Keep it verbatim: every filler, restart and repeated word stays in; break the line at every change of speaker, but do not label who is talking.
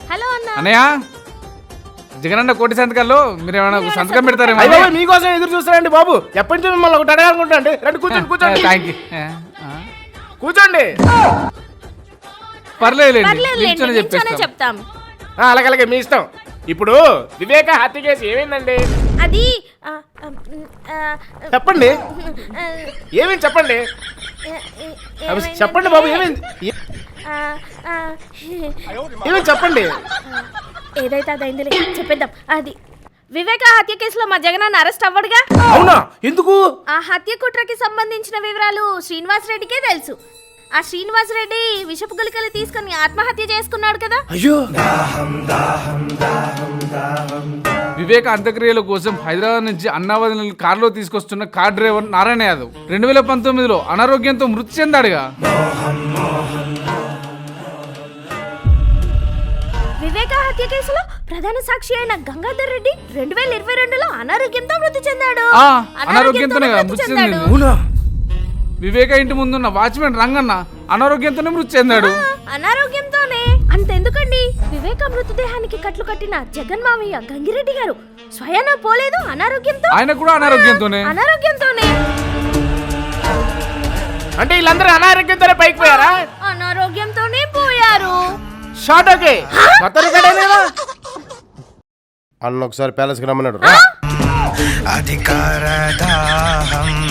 Hello అన్న.
అన్నయ్య జగనన్న కోటి సంతకాల్లో మీరు ఏమైనా సంతకం పెడతారేమో.
అయ్యో మీకోసం ఎదురు చూస్తారండి బాబు. ఎప్పటి నుంచి మిమ్మల్ని ఒకటి అడగాలనుకుంటా అండి. రండి కూర్చోండి కూర్చోండి
థ్యాంక్ యూ.
కూర్చోండి.
పర్లేదు
పర్లేదులేండి, నిల్చోనే చెప్తాం.
అలాగే అలాగే మీ ఇష్టం. ఇప్పుడు వివేక హత్య కేసు ఏమైందండి?
అది ఆ, ఆ, ఆ,
చెప్పండి.
ఆ,
ఏమైంది చెప్పండి.
ఏ-
చెప్పండి బాబు ఏమైంది ఏ-
ఆ, ఆ,
ఏమైంది చెప్పండి.
ఏదైతే అదైందిలే చెప్పేద్దాం. అది వివేక హత్య కేసులో మా జగనన్న అరెస్ట్ అవ్వడుగా.
అవునా? ఎందుకు?
ఆ హత్య కుట్రకి సంబంధించిన వివరాలు శ్రీనివాస్ రెడ్డికే తెలుసు. ఆ శ్రీనివాస్ రెడ్డి విషపు గుళికలు తీసుకుని ఆత్మహత్య చేసుకున్నాడు కదా.
అయ్యో
వివేక అంత్యక్రియల కోసం హైదరాబాద్ నుంచి అన్నావతి కారులో తీసుకొస్తున్న కార్ డ్రైవర్ నారాయణ యాదవ్ రెండు వేల పంతొమ్మిదిలో అనారోగ్యంతో మృతి చెందాడుగా.
వివేక హత్య కేసులో ప్రధాన సాక్షి అయిన గంగాధర్ రెడ్డి రెండు వేల ఇరవై రెండులో అనారోగ్యంతో మృతి చెందాడు.
ఆ, అనారోగ్యంతోనే కదా మృతి చెందింది.
అవునా?
వివేక ఇంటి ముందున్న వాచ్మెన్ రంగన్న అనారోగ్యంతోనే మృతి చెందాడు.
ఆ, అనారోగ్యంతోనే. అంతెందుకండి, వివేక మృతదేహానికి కట్లు కట్టిన జగన్ మామయ్య గంగిరెడ్డి గారు స్వయాన పోలేదు అనారోగ్యంతో.
ఆయన కూడా అనారోగ్యంతోనే
అనారోగ్యంతోనే
అంటే వీళ్ళందరూ అనారోగ్యంతోనే పైకి పోయారా?
అనారోగ్యంతోనే పోయారు.
Short okay. అన్న ఒకసారి ప్యాలెస్కి రమ్మన్నాడు.
అధికార దాహం